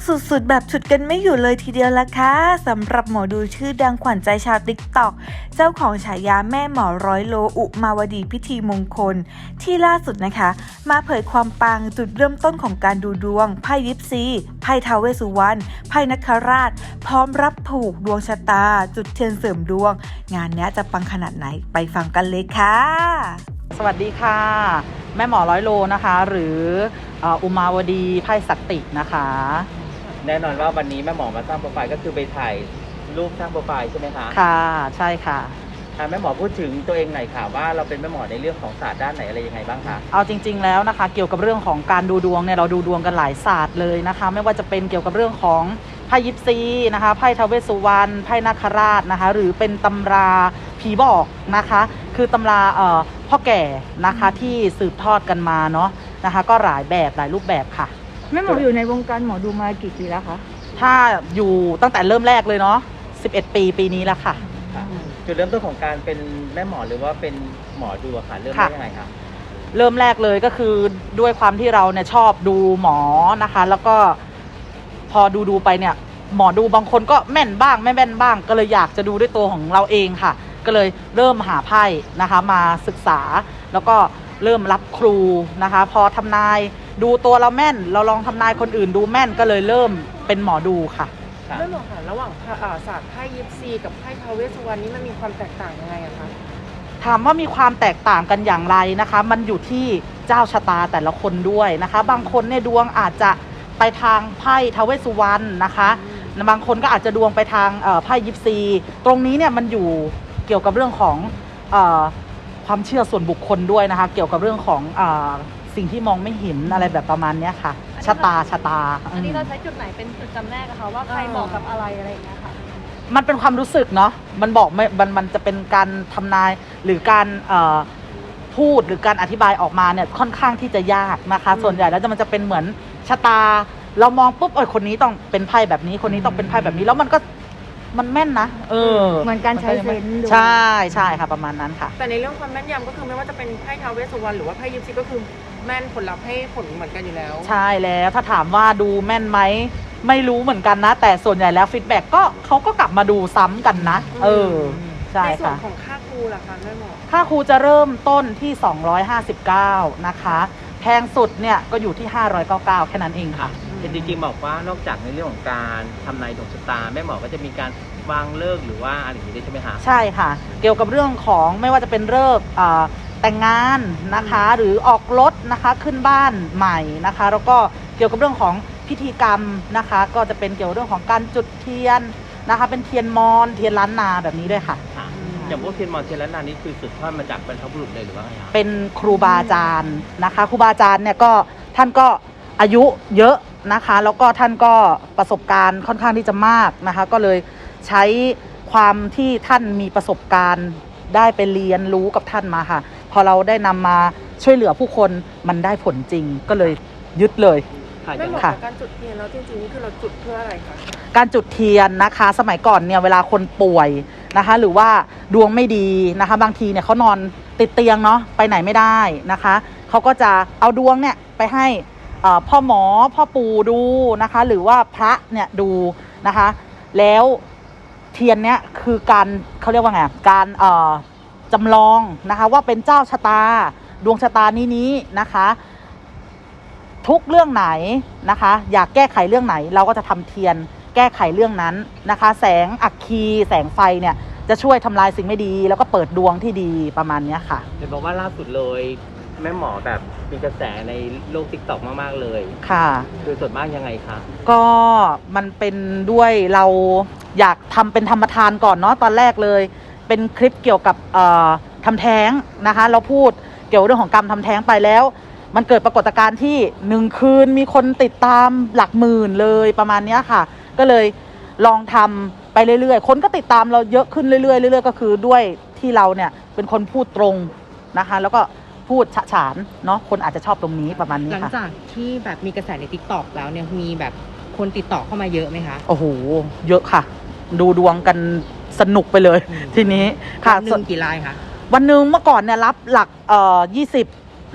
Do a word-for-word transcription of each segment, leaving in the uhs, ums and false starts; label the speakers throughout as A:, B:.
A: สุดๆแบบฉุดกันไม่อยู่เลยทีเดียวละค่ะสำหรับหมอดูชื่อดังขวัญใจชาวติ๊กต็อกเจ้าของฉายาแม่หมอร้อยโลอุมาวดีพิธีมงคลที่ล่าสุดนะคะมาเผยความปังจุดเริ่มต้นของการดูดวงไพ่ยิปซีไพ่ท้าวเวสสุวรรณไพ่นคราชพร้อมรับผูกดวงชะตาจุดเทียนเสริมดวงงานนี้จะปังขนาดไหนไปฟังกันเลยค่ะ
B: สวัสดีค่ะแม่หมอร้อยโลนะคะหรืออุมาวดีไพ่สักตินะคะ
C: แน่นอนว่าวันนี้แม่หมอมาสร้างโปรไฟล์ก็คือไปถ่ายรูปสร้างโปรไฟล์ใช่ไหมคะ
B: ค่ะใช่ค่ะ
C: แม่หมอพูดถึงตัวเองหน่อยค่ะว่าเราเป็นแม่หมอในเรื่องของศาสตร์ด้านไหนอะไรยังไงบ้างคะ
B: เอาจริงๆแล้วนะคะเกี่ยวกับเรื่องของการดูดวงเนี่ยเราดูดวงกันหลายศาสตร์เลยนะคะไม่ว่าจะเป็นเกี่ยวกับเรื่องของไพ่ยิปซีนะคะไพ่ท้าวเวสสุวรรณไพ่นาคราชนะคะหรือเป็นตำราผีบอกนะคะคือตำราเอ่อพ่อแก่นะคะที่สืบทอดกันมาเนาะนะคะก็หลายแบบหลายรูปแบบค่ะ
A: แม่หมออยู่ในวงการหมอดูมากี่ปีแล้วคะ
B: ถ้าอยู่ตั้งแต่เริ่มแรกเลยเนาะสิบเอ็ดปีปีนี้แล้วค่ะ
C: จุดเริ่มต้นของการเป็นแม่หมอหรือว่าเป็นหมอดูค่ะเริ่มได้ยังไงคะ
B: เริ่มแรกเลยก็คือด้วยความที่เราเนี่ยชอบดูหมอนะคะแล้วก็พอดูดูไปเนี่ยหมอดูบางคนก็แม่นบ้างไม่แม่นบ้างก็เลยอยากจะดูด้วยตัวของเราเองค่ะก็เลยเริ่มหาไพ่นะคะมาศึกษาแล้วก็เริ่มรับครูนะคะพอทำนายดูตัวเราแม่นเราลองทำนายคนอื่นดูแม่นก็เลยเริ่มเป็นหมอดูค่ะ
D: แม่หมอค่ะระหว่างศาสตร์ไพ่ยิปซีกับไพ่ท้าวเวสสุวรรณนี้มันมีความแตกต่างยังไงอะคะ
B: ถามว่ามีความแตกต่างกันอย่างไรนะคะมันอยู่ที่เจ้าชะตาแต่ละคนด้วยนะคะบางคนเนี่ยดวงอาจจะไปทางไพ่ท้าวเวสสุวรรณนะคะบางคนก็อาจจะดวงไปทางไพ่ยิปซีตรงนี้เนี่ยมันอยู่เกี่ยวกับเรื่องของเอ่อความเชื่อส่วนบุคคลด้วยนะคะเกี่ยวกับเรื่องของเอ่อสิ่งที่มองไม่เห็นอะไรแบบประมาณนี้ค่ะชะตาชะตา
E: อันนี้เราใช้จุดไหนเป็นจุดจำแนกอะคะว่าใครเหมาะกับอะไรอะไรอย่างเงี้ยค่ะ
B: มันเป็นความรู้สึกเนาะมันบอกไม่มันมันจะเป็นการทำนายหรือการเอ่อพูดหรือการอธิบายออกมาเนี่ยค่อนข้างที่จะยากนะคะส่วนใหญ่แล้วมันจะเป็นเหมือนชะตาเรามองปุ๊บเออคนนี้ต้องเป็นไพ่แบบนี้คนนี้ต้องเป็นไพ่แบบนี้แล้วมันก็มันแม่นนะเออ
A: เหมือนการใช้เซนส์
B: ใช่ใช่ค่ะประมาณนั้นค่ะ
D: แต่ในเรื่องความแม่นยำก็คือไม่ว่าจะเป็นไพ่ท้าวเวสสุวรรณหรือว่าไพ่ยิปซีก็คือแม่นผลลัพธ์ให้ผลเหมือนกันอยู่แล้ว
B: ใช่แล้วถ้าถามว่าดูแม่นไหมไม่รู้เหมือนกันนะแต่ส่วนใหญ่แล้วฟีดแบ็กก็เขาก็กลับมาดูซ้ำกันนะเออใช่ค่ะในส่วน
D: ของค่าครูล่ะคะแม่หมอ
B: ค่าครูจะเริ่มต้นที่สองร้อยห้าสิบเก้านะคะแพงสุดเนี่ยก็อยู่ที่ห้าร้อยเก้าสิบเก้าแค่นั้นเองค่ะ
C: จริงๆบอกว่านอกจากในเรื่องของการทำนายดวงชะตาแม่หมอก็จะมีการวางฤกษ์หรือว่าอะไรอย่างนี้ได้ใช่ไหมคะ
B: ใช่ค่ะเกี่ยวกับเรื่องของไม่ว่าจะเป็นฤกษ์แต่งงานนะคะหรือออกรถนะคะขึ้นบ้านใหม่นะคะแล้วก็เกี่ยวกับเรื่องของพิธีกรรมนะคะก็จะเป็นเกี่ยวกับเรื่องของการจุดเทียนนะคะเป็นเทียนมอนเทียนล้านนาแบบนี้ด้วยค่ะ
C: อย่างพวกเทียนมอนเทียนล้านนานี่คือสืบทอดมาจากบรรพบุรุษเลยหรือว่าไงคะ
B: เป็นครูบาอาจารย์นะคะครูบาอาจารย์เนี่ยก็ท่านก็อายุเยอะนะคะแล้วก็ท่านก็ประสบการณ์ค่อนข้างที่จะมากนะคะก็เลยใช้ความที่ท่านมีประสบการณ์ได้ไปเรียนรู้กับท่านมาค่ะพอเราได้นำมาช่วยเหลือผู้คนมันได้ผลจริงก็เลยยึดเลย
D: ไม่เหมาะกับการจุดเทียนแล้วจริงๆนี่คือเราจุดเพื่ออะไรคะ
B: การจุดเทียนนะคะสมัยก่อนเนี่ยเวลาคนป่วยนะคะหรือว่าดวงไม่ดีนะคะบางทีเนี่ยเขานอนติดเตียงเนาะไปไหนไม่ได้นะคะเขาก็จะเอาดวงเนี่ยไปให้พ่อหมอพ่อปู่ดูนะคะหรือว่าพระเนี่ยดูนะคะแล้วเทียนเนี้ยคือการเขาเรียกว่าไงการเอ่อจำลองนะคะว่าเป็นเจ้าชะตาดวงชะตานี้นี้นะคะทุกเรื่องไหนนะคะอยากแก้ไขเรื่องไหนเราก็จะทำเทียนแก้ไขเรื่องนั้นนะคะแสงอัคคีแสงไฟเนี่ยจะช่วยทำลายสิ่งไม่ดีแล้วก็เปิดดวงที่ดีประมาณนี้ค่ะ
C: เห็นบอกว่าล่าสุดเลยแม่หมอแบบมีกระแสในโลก ติ๊กต็อก มากๆเลย
B: ค่ะ
C: คือส่วนมากยังไงคะ
B: ก็มันเป็นด้วยเราอยากทำเป็นธรรมทานก่อนเนาะตอนแรกเลยเป็นคลิปเกี่ยวกับเอ่อทำแท้งนะคะเราพูดเกี่ยวเรื่องของกรรมทำแท้งไปแล้วมันเกิดปรากฏการณ์ที่หนึ่งคืนมีคนติดตามหลักหมื่นเลยประมาณนี้ค่ะก็เลยลองทำไปเรื่อยๆคนก็ติดตามเราเยอะขึ้นเรื่อยๆเรื่อยๆก็คือด้วยที่เราเนี่ยเป็นคนพูดตรงนะคะแล้วก็พูดฉะฉานเนาะคนอาจจะชอบตรงนี้ประมาณนี้ค่ะ
D: หลังจากที่แบบมีกระแสใน ติ๊กต็อก แล้วเนี่ยมีแบบคนติดต่อเข้ามาเยอะไหมคะ
B: โอ้โหเยอะค่ะดูดวงกันสนุกไปเลยทีนี้
D: ค่ะวันหนึ่งกี่รายคะ
B: วันหนึ่งเมื่อก่อนเนี่ยรับหลักเอ่อยี่สิบ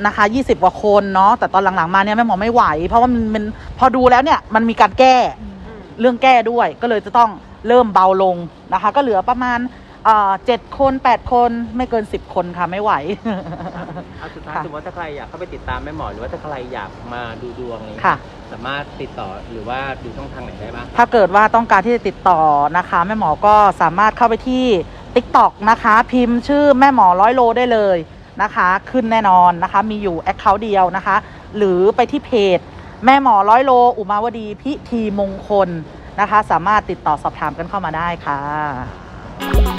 B: นะคะยี่สิบกว่าคนเนาะแต่ตอนหลังๆมาเนี่ยแม่หมอไม่ไหวเพราะว่ามันมันพอดูแล้วเนี่ยมันมีการแก้เรื่องแก้ด้วยก็เลยจะต้องเริ่มเบาลงนะคะก็เหลือประมาณเจ็ดคนแปดคนไม่เกินสิบคนค่ะไม่ไหว
C: เอาสุดท้าย
B: ค่ะ
C: สมมติว่าถ้าใครอยากเข้าไปติดตามแม่หมอหรือว่าถ้าใครอยากมาดูดวงนี้
B: ค่ะ
C: สามารถติดต่อหรือว่าดูช่องทางไหนได้บ้าง
B: ถ้าเกิดว่าต้องการที่จะติดต่อนะคะแม่หมอก็สามารถเข้าไปที่ ติ๊กต็อก นะคะพิมพ์ชื่อแม่หมอร้อยโลได้เลยนะคะขึ้นแน่นอนนะคะมีอยู่แอคเคาท์เดียวนะคะหรือไปที่เพจแม่หมอร้อยโลอุมาวดีพิธีมงคลนะคะสามารถติดต่อสอบถามกันเข้ามาได้ค่ะ